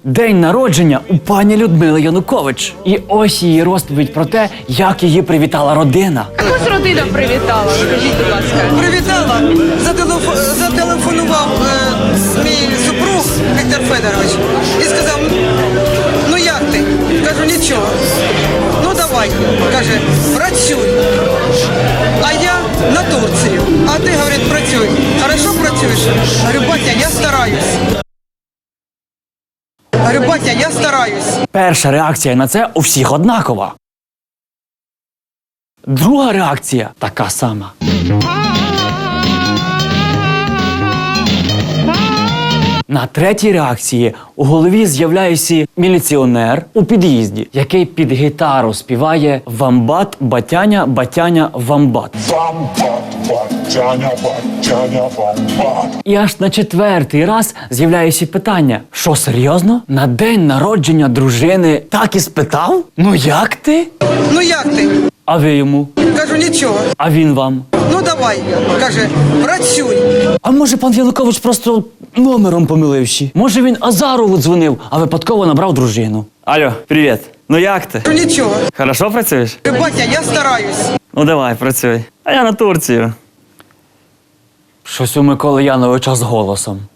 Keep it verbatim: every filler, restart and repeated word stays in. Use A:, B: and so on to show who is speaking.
A: День народження у пані Людмили Янукович. І ось її розповідь про те, як її привітала родина.
B: Якось родина привітала, скажіть, будь ласка.
C: Привітала, зателефо... зателефонував е, мій супруг Віктор Федорович і сказав, ну як ти? Кажу, нічого. Ну давай, каже, працюй. А я на Турцію. А ти, говорить, працюй. Хорошо працюєш? Говорю, батя, я стараюсь. Говорю, батя, я стараюсь.
A: Перша реакція на це у всіх однакова. Друга реакція така сама. На третій реакції у голові з'являється міліціонер у під'їзді, який під гітару співає «Вамбат, батяня, батяня, вамбат».
D: Вамбат, батяня, батяня, вамбат.
A: І аж на четвертий раз з'являється питання: що, серйозно? На день народження дружини так і спитав? Ну як ти?
C: Ну як ти?
A: А ви йому?
C: Кажу, нічого.
A: А він вам?
C: Ну давай, каже, працюй.
A: А може пан Янукович просто номером помиливши? Може він Азарову дзвонив, а випадково набрав дружину? Алло, привіт. Ну як ти?
C: Кажу, нічого.
A: Хорошо працюєш?
C: Говорю, батя, я стараюсь.
A: Ну давай, працюй. А я на Турцію. Щось у Миколи Яновича з голосом.